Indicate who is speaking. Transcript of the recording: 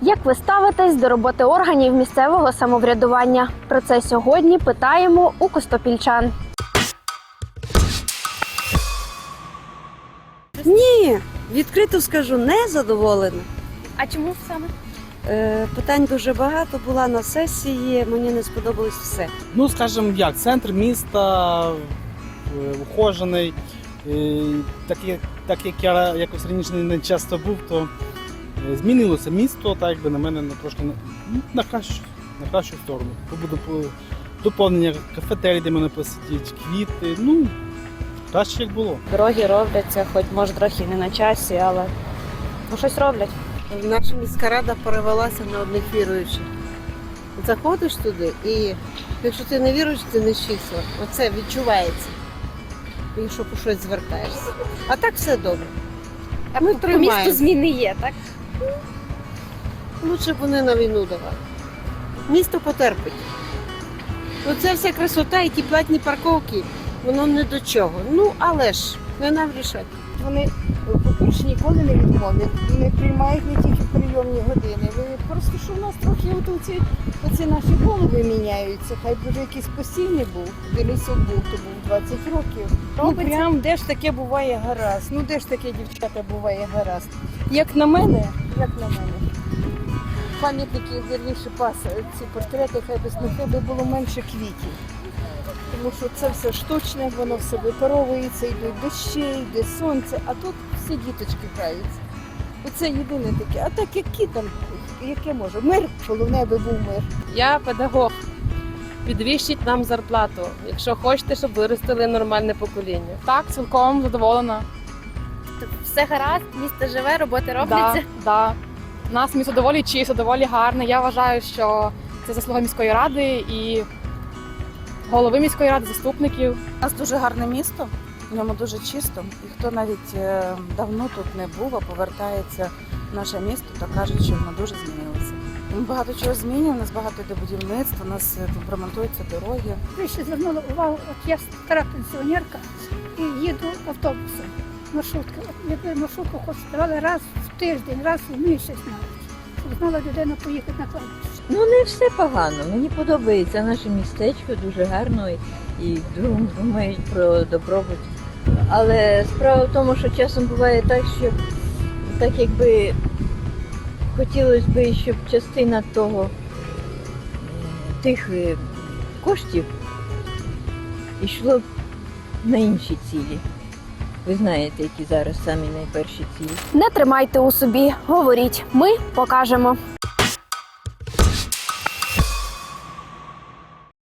Speaker 1: Як ви ставитесь до роботи органів місцевого самоврядування? Про це сьогодні питаємо у костопільчан.
Speaker 2: Ні, відкрито скажу, не задоволена.
Speaker 1: А чому саме?
Speaker 2: Питань дуже багато, була на сесії, мені не сподобалось все.
Speaker 3: Ну, скажімо як, центр міста ухожений. Так як я якось раніше не часто був, то змінилося місто, так якби на мене трошки на кращу сторону. Буде доповнення кафетерій, де мене посидіть, квіти, ну, краще як було.
Speaker 4: Дороги робляться, хоч може трохи не на часі, але щось роблять.
Speaker 5: Наша міська рада перевелася на одних віруючих. Заходиш туди і якщо ти не віруєш, ти не числа. Оце відчувається, якщо по щось звертаєшся. А так все добре.
Speaker 1: А
Speaker 5: Ми
Speaker 1: по
Speaker 5: тримаємо.
Speaker 1: місту зміни є, так?
Speaker 5: Лучше б вони на війну давали. Місто потерпить. Оце вся красота і ті платні парковки, воно не до чого. Ну, але ж, не нам рішати.
Speaker 6: Вони, по-перше, ніколи не відмовлять, не приймають не тільки прийомні години. Просто що в нас трохи оці наші голови міняються. Хай б вже якийсь постійний був. Денисов був, то був 20 років. Ну прям де ж таке буває гаразд. Ну де ж таке, дівчата, буває гаразд. Як на мене, пам'ятники, вірніше, ці портрети, хай би було менше квітів. Тому що це все штучне, воно все випаровується, йдуть дощі, йде сонце, а тут всі діточки граються. Оце єдине таке. А так які там, яке може? Мир, головне би був мир.
Speaker 4: Я педагог. Підвищіть нам зарплату, якщо хочете, щоб виростили нормальне покоління.
Speaker 7: Так, цілком задоволена.
Speaker 1: Все гаразд, місто живе, роботи робляться.
Speaker 7: Да. У нас місто доволі чисто, доволі гарне. Я вважаю, що це заслуга міської ради і голови міської ради, заступників.
Speaker 8: У нас дуже гарне місто, в ньому дуже чисто. І хто навіть давно тут не був, а повертається в наше місто, то кажуть, що воно дуже змінилося. Ми багато чого змінюємо, у нас багато йде будівництва, у нас тут ремонтуються дороги.
Speaker 6: Ви ще звернули увагу, от я стара пенсіонерка і їду автобусом, маршруткою. Якби маршрутку хоч давали раз в тиждень, раз в місяць навіть, щоб знала людина поїхати на кладбище.
Speaker 9: Ну, не все погано. Мені подобається наше містечко, дуже гарно і думають про добробут. Але справа в тому, що часом буває так, що так якби хотілося б, щоб частина тих коштів йшло б на інші цілі. Ви знаєте, які зараз самі найперші цілі.
Speaker 1: Не тримайте у собі, говоріть, ми покажемо.